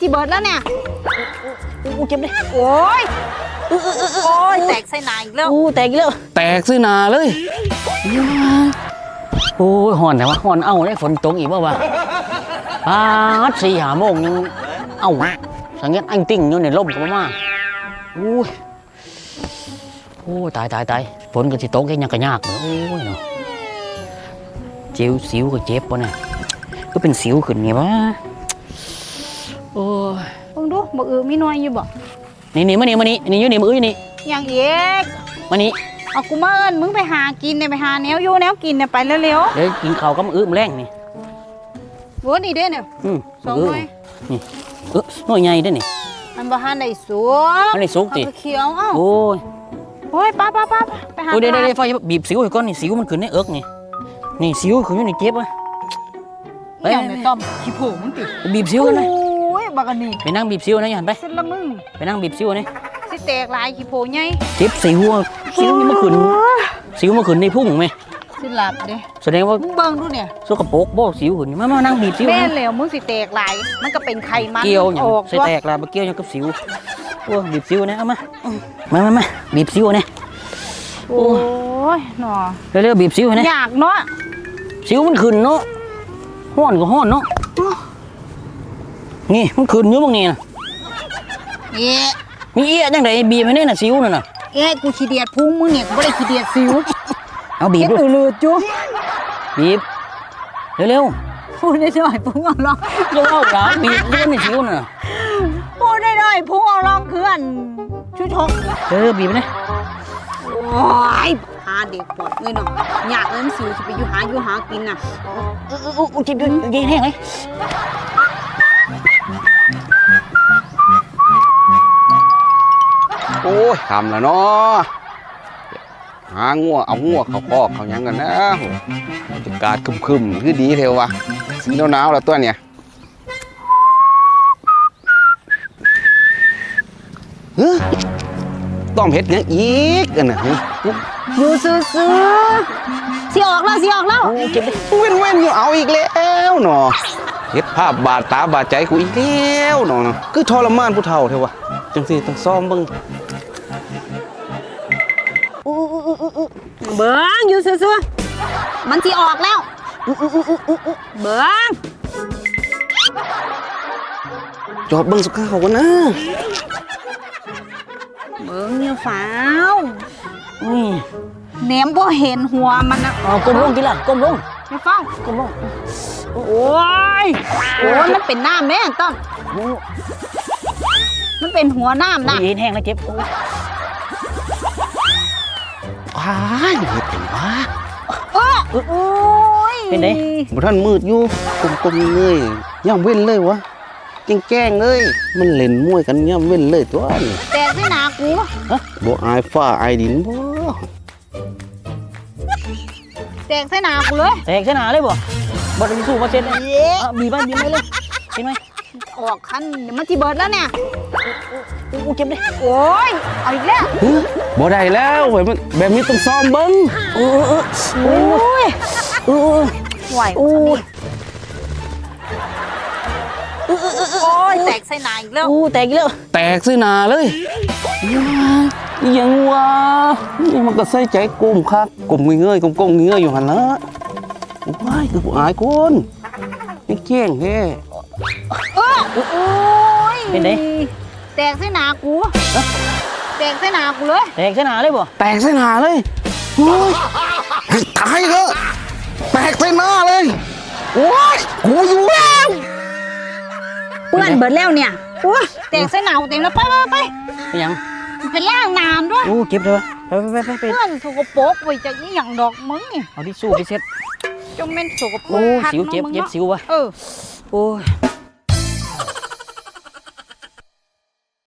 ที่เบิร์ดแล้วเนี่ยอู้เจ็บเลยโอ้ยโอ้ยแตกใส่หนาอีกแล้วแตกอีกแล้วแตกซื้อหนาเลยโอ้ยห่อนแต่ว่าห่อนเอาได้ฝนตกอีกบ่าวะ4-5 โมงยังเอาสังเกตอังติ้งอยู่ในร่มกับมาโอ้ยตายฝนก็สิตกแค่ยังกระยากเลยโอ้ยเนาะสิวก็เจ็บปะเนี่ยก็เป็นสิวขึ้นไงวะโอ้ยมึงดูบอกมีน้อยอยู่บ่นี่มานี่อยู่นี่มืออยู่นี่อย่างเอกมานี่เอากูมาเอิญมึงไปหากินเนี่ยไปหาแนวอยู่แนวกินเนี่ยไปเร็วเดี๋ยวกินข้าวก็มือแรงนี่โว้นี่เด้เนี่ย2 หน่วยนี่หน่วยใหญ่ด้วยนี่มันบ่ทันได้สุกมันได้สุกติเขียวเอ้าโอ้ยป้าไปหาเดี๋ยวไฟบีบสิวให้ก่อนนี่สิวมันขึ้นในเอิกนี่สิวขึ้นอยู่ในเก็บวะอย่างในต้อมขี้โผล่มึงติบีบสิวกันเลยโอ้ยบักอันนี้ไปนั่งบีบสิวนะยันไปเส้นละมึงไปนั่งบีบสิวนี่สิแตกลายขี้โผล่ใหญ่เจ็บสิวนี่มันขึ้นในพุ่งไหมสิหลับเด้แสดงว่ามึงเบิ่งดูเนี่ยสกปรกบ่สิวขึ้นมานั่งบีบสิวแม่แล้วมึงสิแตกลายมันก็เป็นไขมันเกี่ยวอย่างสิแตกลายมาเกี่ยวอย่างกับสิวบีบสิวนี่เอามาบีบสิวนี่โอ้ยหนอเร็วบีบสิวนี่อยากเนาะสิวมันขึ้นเนาะห้อนก็ห้อนเนาะนี่มันขึ้นเยอะบางนี่นะมีเอี้ยจังไดบีบให้เนี่ยน่ะสิวนั่นน่ะกูขี้เดียดพุงมึงเนี่ยกูไม่ได้ขี้เดียดสิวเอาบีบดูเลือดจุ๊บบีบเร็วพูดได้หน่อยพุงเอาลองเร็วเอาหลังบีบเรื่องในสิวน่ะพูดได้หน่อยพุงเอาลองเพื่อนชุดชกบีบไปเลยโอ้ยหาเด็กปวดเลยเนาะอยากเล่นสิวจะไปอยู่หากินน่ะจิบดูยิงแห้งเลยโอ้ยทำแล้วเนาะหางัวเอางัวเขาคอกเขายังกันนะบรรยากาศคึมคือดีเทววะสีหนาวแล้วตัวเนี่ยต้อมเห็ดยังอีกกันนะอยู่ซื้อสิออกแล้วเก็บเว้นอยู่เอาอีกแล้วเนาะเห็ดภาพบาดตาบาดใจกูอีกแล้วเนาะคือทรมานผู้เฒ่าเทวะจังสิต้องซ้อมบ้างเบิ้งอยู่ซื้อมันสิออกแล้วเบิ้งจอบเบิ้งสักข้าวกันนะเบิ้งเนี่ยฟ้าวแหนมบ่เห็นหัวมันนะก้มลงทีละก้มลงไม่ฟ้าวก้มลงโอ้ยมันเป็นน้ำแม่ต้อมมันเป็นหัวน้ำนะยิงแห้งแล้วเจ็บว้ายเห็ดเป็นวะโอ้ยเป็นไงบุท่านมืดอยู่กลมๆเลยย่ำเว้นเลยวะแกล้งเลยมันเล่นมวยกันย่ำเว้นเลยตัวนี้แต่ไม่หนากูบ่อายฟ้าอายดินบ่แตกใส่หนากูเลยแตกใส่หนาเลยบ่ได้สู้มาเซ็นบีบไปเลยเห็นไหมออกคันเดี๋ยวมันจีเบิร์ดแล้วเนี่ยเจ็บเลยโอ้ยเอาอีกแล้วบ่ได้แล้วแบบนี้ต้องซ้อมเบิ้งโอ้ยไหวโอ้ยแตกใส่หนาอีกแล้วแตกอีกแล้วแตกใส่หนาเลยยังวะยังมันก็ใส่ใจกลมครับกลมเงยกลมเงยอยู่หันละว้ายคือผู้อายคนนี่แจ้งแท้โอ้ยเป็นไงแตกใส่หนากูแตกใส่หนากูเลยแตกใส่หนาเลยบ่แตกใส่หนาเลยโอ้ยตายเหรอแตกใส่หน้าเลยโอ้ยกูอยู่แล้วเปื้อนเบิดแล้วเนี่ยแตกใส่หนาเต็มแล้วไปยังเป็นล่างน้ำด้วยเก็บเลยไปเพื่อนสกปรกไปจากนี่อย่างดอกมึงเอาที่สู้ไปเช็ดจงเป็นสกปรกสิวเจ็บสิววะโอ้ย